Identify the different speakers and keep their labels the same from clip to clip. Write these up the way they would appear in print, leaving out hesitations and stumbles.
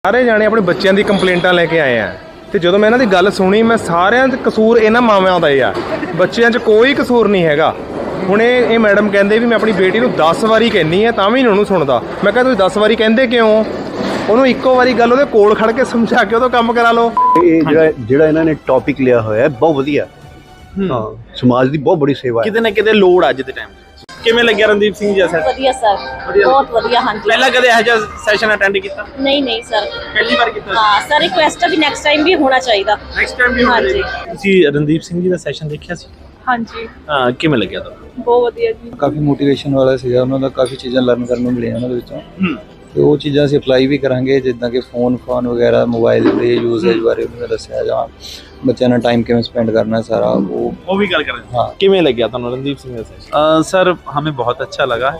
Speaker 1: ਸਾਰੇ ਜਾਣੇ ਆਪਣੇ ਬੱਚਿਆਂ ਦੀ ਕੰਪਲੇਂਟਾਂ ਲੈ ਕੇ ਆਏ ਆ ਤੇ ਜਦੋਂ ਮੈਂ ਇਹਨਾਂ ਦੀ ਗੱਲ ਸੁਣੀ ਮੈਂ ਸਾਰਿਆਂ ਦਾ ਕਸੂਰ ਇਹਨਾਂ ਮਾਵਾਂ ਦਾ ਹੀ ਆ। ਬੱਚਿਆਂ 'ਚ ਕੋਈ ਕਸੂਰ ਨਹੀਂ ਹੈਗਾ। ਹੁਣ ਇਹ ਮੈਡਮ ਕਹਿੰਦੇ ਵੀ ਮੈਂ ਆਪਣੀ ਬੇਟੀ ਨੂੰ 10 ਵਾਰੀ ਕਹਿੰਨੀ ਆ ਤਾਂ ਵੀ ਨਹੀਂ ਉਹਨੂੰ ਸੁਣਦਾ। ਮੈਂ ਕਿਹਾ ਤੁਸੀਂ 10 ਵਾਰੀ ਕਹਿੰਦੇ ਕਿਉਂ? ਉਹਨੂੰ ਇੱਕੋ ਵਾਰੀ ਗੱਲ ਉਹਦੇ ਕੋਲ ਖੜ ਕੇ ਸਮਝਾ ਕੇ ਉਹ ਤੋਂ ਕੰਮ ਕਰਾ ਲਓ।
Speaker 2: ਇਹ ਜਿਹੜਾ ਇਹਨਾਂ ਨੇ ਟੌਪਿਕ ਲਿਆ ਹੋਇਆ ਬਹੁਤ ਵਧੀਆ। ਹਾਂ, ਸਮਾਜ ਦੀ ਬਹੁਤ ਬੜੀ ਸੇਵਾ ਹੈ।
Speaker 3: ਕਿਤੇ ਨਾ ਕਿਤੇ ਲੋੜ ਅੱਜ ਦੇ ਟਾਈਮ ਕਿਵੇਂ ਲੱਗਿਆ ਰਣਦੀਪ ਸਿੰਘ ਜੀ?
Speaker 4: ਵਧੀਆ ਸਰ, ਬਹੁਤ ਵਧੀਆ। ਹਾਂਜੀ,
Speaker 3: ਪਹਿਲਾਂ ਕਦੇ ਇਹੋ ਜਿਹਾ ਸੈਸ਼ਨ ਅਟੈਂਡ ਕੀਤਾ?
Speaker 4: ਨਹੀਂ ਸਰ,
Speaker 3: ਪਹਿਲੀ ਵਾਰ ਕੀਤਾ।
Speaker 4: ਹਾਂ ਸਰ, ਰਿਕੁਐਸਟ ਹੈ ਵੀ ਨੈਕਸਟ ਟਾਈਮ ਵੀ ਹੋਣਾ ਚਾਹੀਦਾ।
Speaker 3: ਨੈਕਸਟ ਟਾਈਮ ਵੀ ਹੋਣਾ ਚਾਹੀਦਾ। ਤੁਸੀਂ ਰਣਦੀਪ ਸਿੰਘ ਜੀ ਦਾ ਸੈਸ਼ਨ ਦੇਖਿਆ ਸੀ?
Speaker 4: ਹਾਂਜੀ,
Speaker 3: ਹਾਂ, ਕਿਵੇਂ ਲੱਗਿਆ ਤੁਹਾਨੂੰ?
Speaker 4: ਬਹੁਤ ਵਧੀਆ ਜੀ।
Speaker 5: ਕਾਫੀ ਮੋਟੀਵੇਸ਼ਨ ਵਾਲਾ ਸੀਗਾ। ਉਹਨਾਂ ਦਾ ਕਾਫੀ ਚੀਜ਼ਾਂ ਲਰਨ ਕਰਨ ਨੂੰ ਮਿਲੀਆਂ ਉਹਨਾਂ ਦੇ ਵਿੱਚੋਂ ਤੇ ਉਹ ਚੀਜ਼ਾਂ ਅਸੀਂ ਅਪਲਾਈ ਵੀ ਕਰਾਂਗੇ, ਜਿੱਦਾਂ ਕਿ ਫੋਨ ਵਗੈਰਾ ਮੋਬਾਈਲ ਦੇ ਯੂਜ਼ੇਜ ਬਾਰੇ ਉਹਨਾਂ ਨੇ ਦੱਸਿਆ, ਜਾਂ ਬੱਚਿਆਂ ਨਾਲ टाइम कैसे स्पेंड करना है सारा वो
Speaker 3: भी गल करें।
Speaker 5: हाँ,
Speaker 3: किमें लग गया था रणदीप सिंह का सेशन?
Speaker 6: सर हमें बहुत अच्छा लगा।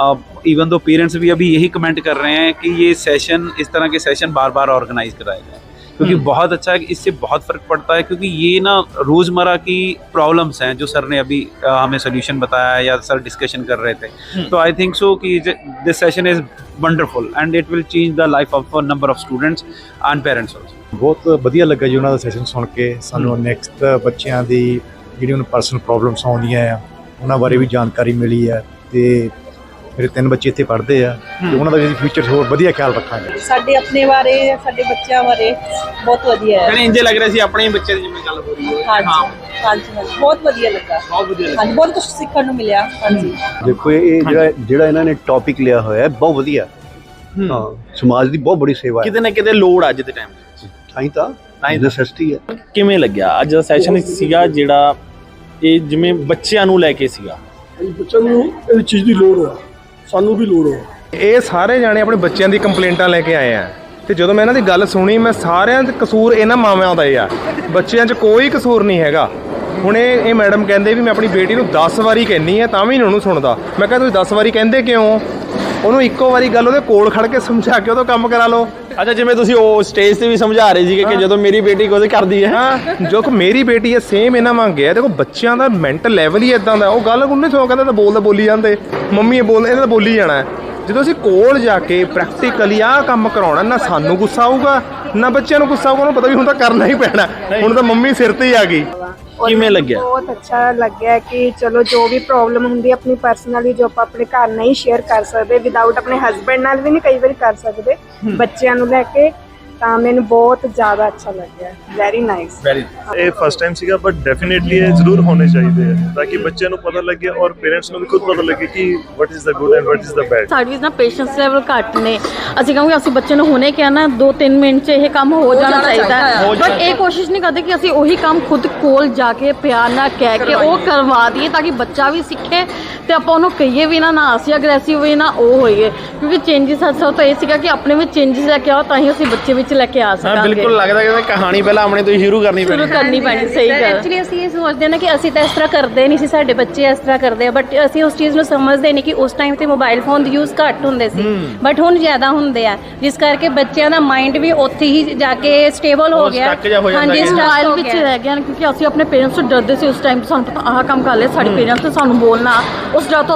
Speaker 6: इवन दो पेरेंट्स भी अभी यही कमेंट कर रहे हैं कि ये सेशन, इस तरह के सेशन बार बार ऑर्गेनाइज कराए जाए, क्योंकि बहुत अच्छा है, इससे बहुत फ़र्क पड़ता है। क्योंकि ये ना रोज़मर्रा की प्रॉब्लम्स हैं जो सर ने अभी हमें सोल्यूशन बताया है या सर डिस्कशन कर रहे थे। तो आई थिंक सो कि this session is wonderful and it will change the life of a number of students and parents also.
Speaker 7: ਬਹੁਤ ਵਧੀਆ ਲੱਗਾ ਜੀ ਉਹਨਾਂ ਦਾ ਸੈਸ਼ਨ ਸੁਣ ਕੇ। ਸਾਨੂੰ ਨੈਕਸਟ ਬੱਚਿਆਂ ਦੀ ਜਿਹੜੀ ਉਹਨਾਂ ਪਰਸਨਲ ਪ੍ਰੋਬਲਮਸ ਆਉਂਦੀਆਂ ਆ ਉਹਨਾਂ ਬਾਰੇ ਵੀ ਜਾਣਕਾਰੀ ਮਿਲੀ ਹੈ ਤੇ ਮੇਰੇ 3 ਬੱਚੇ ਇੱਥੇ ਪੜ੍ਹਦੇ ਆ ਤੇ ਉਹਨਾਂ ਦਾ ਵੀ ਫਿਊਚਰ ਹੋਰ ਵਧੀਆ ਖਿਆਲ ਰੱਖਾਂਗੇ।
Speaker 4: ਸਾਡੇ ਆਪਣੇ ਬਾਰੇ, ਸਾਡੇ ਬੱਚਿਆਂ ਬਾਰੇ ਬਹੁਤ ਵਧੀਆ ਹੈ।
Speaker 3: ਕਹਿੰਦੇ ਇੰਜੇ ਲੱਗ ਰਿਹਾ ਸੀ ਆਪਣੇ ਹੀ ਬੱਚੇ ਦੀ ਜਿਵੇਂ ਗੱਲ ਹੋ ਰਹੀ ਹੈ।
Speaker 4: ਹਾਂਜੀ, ਬਹੁਤ ਵਧੀਆ ਲੱਗਾ।
Speaker 3: ਬਹੁਤ ਵਧੀਆ ਲੱਗਾ।
Speaker 4: ਹਾਂਜੀ, ਬਹੁਤ ਕੁਝ ਸਿੱਖਣ ਨੂੰ ਮਿਲਿਆ। ਹਾਂਜੀ,
Speaker 2: ਦੇਖੋ ਇਹ ਜਿਹੜਾ ਇਹਨਾਂ ਨੇ ਟੌਪਿਕ ਲਿਆ ਹੋਇਆ ਬਹੁਤ ਵਧੀਆ। ਹਾਂ, ਸਮਾਜ ਦੀ ਬਹੁਤ ਬੜੀ ਸੇਵਾ ਹੈ।
Speaker 3: ਕਿਤੇ ਨਾ ਕਿਤੇ ਲੋੜ ਅੱਜ ਦੇ ਟਾਈਮ
Speaker 2: ਤਾਂ ਨੈਸੈਸਿਟੀ ਹੈ।
Speaker 3: ਕਿਵੇਂ ਲੱਗਿਆ ਅੱਜ ਦਾ ਸੈਸ਼ਨ ਸੀਗਾ ਜਿਹੜਾ ਇਹ ਜਿਵੇਂ ਬੱਚਿਆਂ ਨੂੰ ਲੈ ਕੇ ਸੀਗਾ?
Speaker 8: ਬੱਚਿਆਂ ਨੂੰ ਇਹ ਚੀਜ਼ ਦੀ ਲੋੜ ਆ, ਸਾਨੂੰ ਵੀ ਲੋੜ ਆ।
Speaker 1: ਇਹ ਸਾਰੇ ਜਾਣੇ ਆਪਣੇ ਬੱਚਿਆਂ ਦੀ ਕੰਪਲੇਂਟਾਂ ਲੈ ਕੇ ਆਏ ਆ ਤੇ ਜਦੋਂ ਮੈਂ ਇਹਨਾਂ ਦੀ ਗੱਲ ਸੁਣੀ ਮੈਂ ਸਾਰਿਆਂ ਦਾ ਕਸੂਰ ਇਹਨਾਂ ਮਾਵਾਂ ਦਾ ਹੀ ਆ। ਬੱਚਿਆਂ 'ਚ ਕੋਈ ਕਸੂਰ ਨਹੀਂ ਹੈਗਾ। ਹੁਣ ਇਹ ਮੈਡਮ ਕਹਿੰਦੇ ਵੀ ਮੈਂ ਆਪਣੀ ਬੇਟੀ ਨੂੰ 10 ਵਾਰੀ ਕਹਿੰਨੀ ਆ ਤਾਂ ਵੀ ਨਹੀਂ ਉਹਨੂੰ ਸੁਣਦਾ। ਮੈਂ ਕਿਹਾ ਤੁਸੀਂ 10 ਵਾਰੀ ਕਹਿੰਦੇ ਕਿਉਂ? ਉਹਨੂੰ ਇੱਕੋ ਵਾਰੀ ਗੱਲ ਉਹਦੇ ਕੋਲ ਖੜ ਕੇ ਸਮਝਾ ਕੇ ਉਹ ਤੋਂ ਕੰਮ ਕਰਾ ਲਓ।
Speaker 3: ਅੱਛਾ, ਜਿਵੇਂ ਤੁਸੀਂ ਉਹ ਸਟੇਜ ਤੇ ਵੀ ਸਮਝਾ ਰਹੇ ਸੀਗੇ ਕਿ ਜਦੋਂ ਮੇਰੀ ਬੇਟੀ ਕੁਝ ਕਰਦੀ ਹੈ,
Speaker 1: ਹਾਂ, ਜੋ ਕਿ ਮੇਰੀ ਬੇਟੀ ਹੈ ਸੇਮ ਇਹਨਾਂ ਮੰਗਿਆ। ਦੇਖੋ ਬੱਚਿਆਂ ਦਾ ਮੈਂਟਲ ਲੈਵਲ ਹੀ ਇਦਾਂ ਦਾ। ਉਹ ਗੱਲ ਉਹਨੇ ਸੋ ਕਹਿੰਦਾ ਤਾਂ ਬੋਲੀ ਜਾਂਦੇ, ਮੰਮੀ ਇਹ ਬੋਲ, ਇਹਦਾ ਬੋਲੀ ਜਾਣਾ। ਜਦੋਂ ਅਸੀਂ ਕੋਲ ਜਾ ਕੇ ਪ੍ਰੈਕਟੀਕਲੀ ਆਹ ਕੰਮ ਕਰਾਉਣਾ, ਨਾ ਸਾਨੂੰ ਗੁੱਸਾ ਆਊਗਾ ਨਾ ਬੱਚਿਆਂ ਨੂੰ ਗੁੱਸਾ ਆਊਗਾ। ਉਹਨੂੰ ਪਤਾ ਵੀ ਹੁਣ ਤਾਂ ਕਰਨਾ ਹੀ ਪੈਣਾ, ਹੁਣ ਤਾਂ ਮੰਮੀ ਸਿਰ ਤੇ ਹੀ ਆ ਗਈ।
Speaker 3: ਕਿਵੇਂ ਲੱਗਿਆ?
Speaker 9: ਬਹੁਤ ਅੱਛਾ ਲੱਗਿਆ ਕਿ ਚਲੋ ਜੋ ਵੀ ਪ੍ਰੋਬਲਮ ਹੁੰਦੀ ਹੈ ਆਪਣੀ ਪਰਸਨਲੀ ਜੋ ਆਪਾਂ ਆਪਣੇ ਘਰ ਨਹੀਂ ਸ਼ੇਅਰ ਕਰ ਸਕਦੇ, ਵਿਦਆਊਟ ਆਪਣੇ ਹਸਬੈਂਡ ਨਾਲ ਵੀ ਨਹੀਂ ਕਈ ਵਾਰੀ ਕਰ ਸਕਦੇ, ਬੱਚਿਆਂ ਨੂੰ ਲੈ ਕੇ, ਤਾਂ ਮੈਨੂੰ ਬਹੁਤ ਜ਼ਿਆਦਾ ਅੱਛਾ ਲੱਗਿਆ। Very nice.
Speaker 10: ਇਹ ਫਸਟ ਟਾਈਮ ਸੀਗਾ ਬਟ ਡੈਫੀਨੇਟਲੀ ਇਹ ਜ਼ਰੂਰ ਹੋਣੇ ਚਾਹੀਦੇ ਆ ਤਾਂ ਕਿ ਬੱਚਿਆਂ ਨੂੰ ਪਤਾ ਲੱਗੇ ਔਰ ਪੇਰੈਂਟਸ ਨੂੰ ਵੀ ਖੁਦ ਪਤਾ ਲੱਗੇ ਕਿ what is the good and what is the bad.
Speaker 11: ਸਾਡੀ ਨਾ ਪੇਸ਼ੈਂਸ ਲੈਵਲ ਘੱਟ ਨੇ। ਅਸੀਂ ਕਹਾਂਗੇ ਅਸੀਂ ਬੱਚੇ ਨੂੰ ਹੁਣੇ ਕਿਹਾ ਨਾ 2-3 ਮਿੰਟ 'ਚ ਇਹ ਕੰਮ ਹੋ ਜਾਣਾ ਚਾਹੀਦਾ ਹੈ, ਬਟ ਇਹ ਕੋਸ਼ਿਸ਼ ਨਹੀਂ ਕਰਦੇ ਕਿ ਅਸੀਂ ਉਹੀ ਕੰਮ ਖੁਦ ਕੋਲ ਜਾ ਕੇ ਪਿਆਰ ਨਾਲ ਕਹਿ ਕੇ ਉਹ ਕਰਵਾ ਦਈਏ ਤਾਂ ਕਿ ਬੱਚਾ ਵੀ ਸਿੱਖੇ ਤੇ ਆਪਾਂ ਉਹਨੂੰ ਕਹੀਏ ਵੀ ਨਾ ਅਸੀਂ ਅਗਰੈਸਿਵ ਹੋਈਏ ਨਾ ਉਹ ਹੋਈਏ। ਕਿਉਂਕਿ ਚੇਂਜਸ ਅਸਲ ਤਾਂ ਇਹ ਸੀਗਾ ਕਿ ਆਪਣੇ ਵਿੱਚ ਚੇਂਜਸ ਲੈ ਕੇ ਆਓ ਤਾਂ ਹੀ ਅਸੀਂ ਬੱਚੇ ਵਿੱਚ ਲੈ ਕੇ ਆ ਸਕਾਂਗੇ।
Speaker 3: ਬਿਲਕੁਲ ਲੱਗਦਾ ਕਿ ਕਹਾਣੀ ਪਹਿਲਾਂ ਆਪਣੇ ਤੋਂ ਹੀ ਸ਼ੁਰੂ ਕਰਨੀ ਪੈਣੀ।
Speaker 11: ਸਹੀ ਗੱਲ।
Speaker 4: ਐਕਚੁਅਲੀ ਅਸੀਂ ਇਹ ਸੋਚਦੇ ਨਾ ਕਿ ਅਸੀਂ ਤਾਂ ਇਸ ਤਰ੍ਹਾਂ ਕਰਦੇ ਨਹੀਂ ਸੀ, ਸਾਡੇ ਬੱਚੇ ਇਸ ਤਰ੍ਹਾਂ ਕਰਦੇ ਆ, ਬਟ ਅਸੀਂ ਉਸ ਚੀਜ਼ ਨੂੰ ਸਮਝਦੇ ਨਹੀਂ ਕਿ ਉਸ ਟਾਈਮ ਤੇ ਮੋਬਾਈਲ ਫੋਨ ਦੀ ਯੂਜ਼ ਘੱਟ ਹੁੰਦੇ ਸੀ ਬਟ ਹੁਣ ਜ਼ਿਆਦਾ ਹੁੰਦੇ ਆ, ਜਿਸ ਕਰਕੇ ਬੱਚਿਆਂ ਦਾ ਮਾਈਂਡ ਵੀ ਉੱਥੇ ਹੀ ਜਾ ਕੇ ਸਟੇਬਲ ਹੋ ਗਿਆ।
Speaker 11: ਹਾਂਜੀ, ਮੋਬਾਈਲ ਵਿੱਚ ਰਹਿ ਗਿਆ ਕਿਉਂਕਿ ਅਸੀਂ ਆਪਣੇ ਪੇਰੈਂਟਸ ਤੋਂ ਡਰਦੇ ਸੀ ਉਸ ਟਾਈਮ। ਸਾਨੂੰ ਪਤਾ ਆਹ ਕੰਮ ਕਰ ਲਿਆ, ਸਾਡੇ ਪੇਰੈਂਟਸ ਨੇ ਸਾਨੂੰ ਬੋਲਣਾ, ਉਸ ਡਰ ਤੋਂ